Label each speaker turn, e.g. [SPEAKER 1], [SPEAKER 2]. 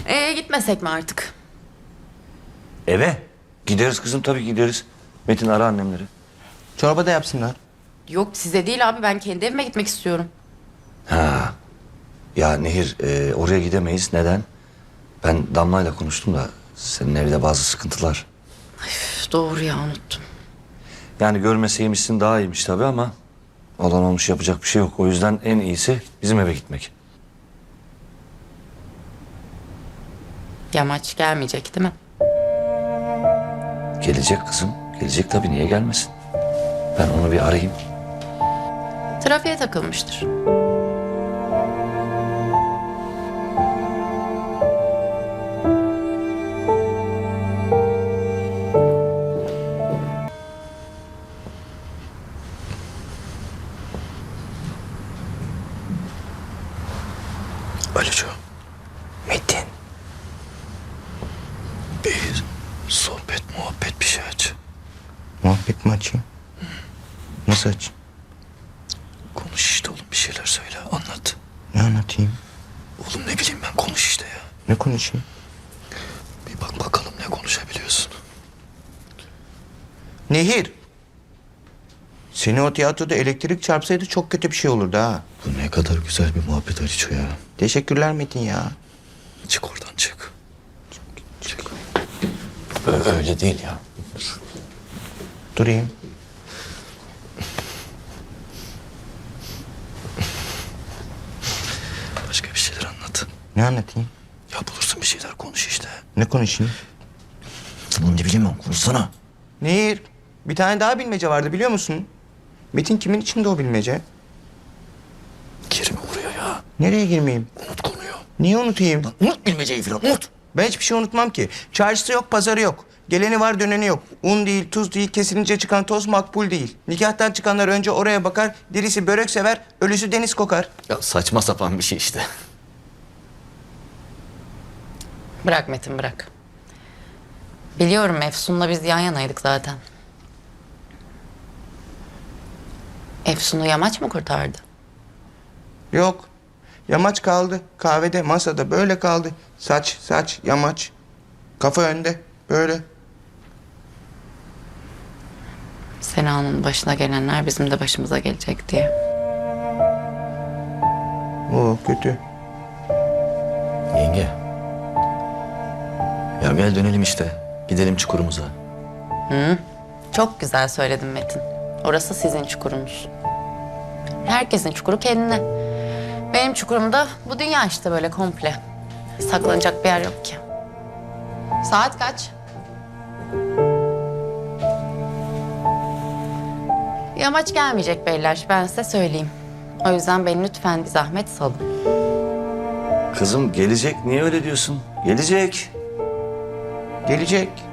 [SPEAKER 1] Gitmesek mi artık?
[SPEAKER 2] Eve. Gideriz kızım, tabii gideriz. Metin, ara annemleri.
[SPEAKER 3] Çorba da yapsınlar.
[SPEAKER 1] Yok size değil abi, ben kendi evime gitmek istiyorum.
[SPEAKER 2] Ya Nehir, oraya gidemeyiz. Neden? Ben Damla'yla konuştum da senin evde bazı sıkıntılar.
[SPEAKER 1] Üf, doğru ya, unuttum.
[SPEAKER 2] Yani görmeseymişsin daha iyiymiş tabii ama olan olmuş, yapacak bir şey yok. O yüzden en iyisi bizim eve gitmek.
[SPEAKER 1] Yamaç gelmeyecek değil mi?
[SPEAKER 2] Gelecek kızım. Gelecek tabii, niye gelmesin? Ben onu bir arayayım.
[SPEAKER 1] Trafiğe takılmıştır.
[SPEAKER 2] Aliço. Metin. Bir sohbet, muhabbet bir şey aç.
[SPEAKER 3] Muhabbet mi açayım? Nasıl açayım?
[SPEAKER 2] Konuş işte oğlum, bir şeyler söyle, anlat.
[SPEAKER 3] Ne anlatayım?
[SPEAKER 2] Oğlum ne bileyim ben, konuş işte ya.
[SPEAKER 3] Ne konuşayım?
[SPEAKER 2] Bir bak bakalım ne konuşabiliyorsun.
[SPEAKER 3] Nehir. Seni o tiyatroda elektrik çarpsaydı çok kötü bir şey olurdu ha.
[SPEAKER 2] Bu ne kadar güzel bir muhabbet Aliço ya.
[SPEAKER 3] Teşekkürler Metin ya.
[SPEAKER 2] Çık oradan, çık. Çık. Öyle değil ya.
[SPEAKER 3] Durayım.
[SPEAKER 2] Başka bir şeyler anlat.
[SPEAKER 3] Ne anlatayım?
[SPEAKER 2] Ya bulursun bir şeyler, konuş işte.
[SPEAKER 3] Ne konuşayım?
[SPEAKER 2] Bunu ne bileyim ben, konuşsana.
[SPEAKER 3] Nehir. Bir tane daha bilmece vardı biliyor musun? Metin kimin içinde o bilmece?
[SPEAKER 2] Girme oraya ya.
[SPEAKER 3] Nereye girmeyeyim?
[SPEAKER 2] Unut konuyu.
[SPEAKER 3] Niye unutayım?
[SPEAKER 2] Unut bilmeceyi falan, unut.
[SPEAKER 3] Ben hiçbir şey unutmam ki. Çarşısı yok, pazarı yok. Geleni var, döneni yok. Un değil, tuz değil, kesilince çıkan toz makbul değil. Nikahtan çıkanlar önce oraya bakar, dirisi börek sever, ölüsü deniz kokar.
[SPEAKER 4] Ya saçma sapan bir şey işte.
[SPEAKER 1] Bırak Metin, bırak. Biliyorum, Efsun'la biz yan yanaydık zaten. Efsun'u Yamaç mı kurtardı?
[SPEAKER 3] Yok. Yamaç kaldı. Kahvede, masada böyle kaldı. Saç, yamaç. Kafa önde, böyle.
[SPEAKER 1] Sena'nın başına gelenler bizim de başımıza gelecek diye.
[SPEAKER 3] Oo, kötü.
[SPEAKER 4] Yenge. Ya gel dönelim işte. Gidelim çukurumuza.
[SPEAKER 1] Çok güzel söyledin Metin. Orası sizin çukurunuz. Herkesin çukuru kendine. Benim çukurum da bu dünya işte, böyle komple. Saklanacak bir yer yok ki. Saat kaç? Yamaç gelmeyecek beyler, ben size söyleyeyim. O yüzden beni lütfen bir zahmet salın.
[SPEAKER 2] Kızım gelecek, niye öyle diyorsun? Gelecek.
[SPEAKER 3] Gelecek.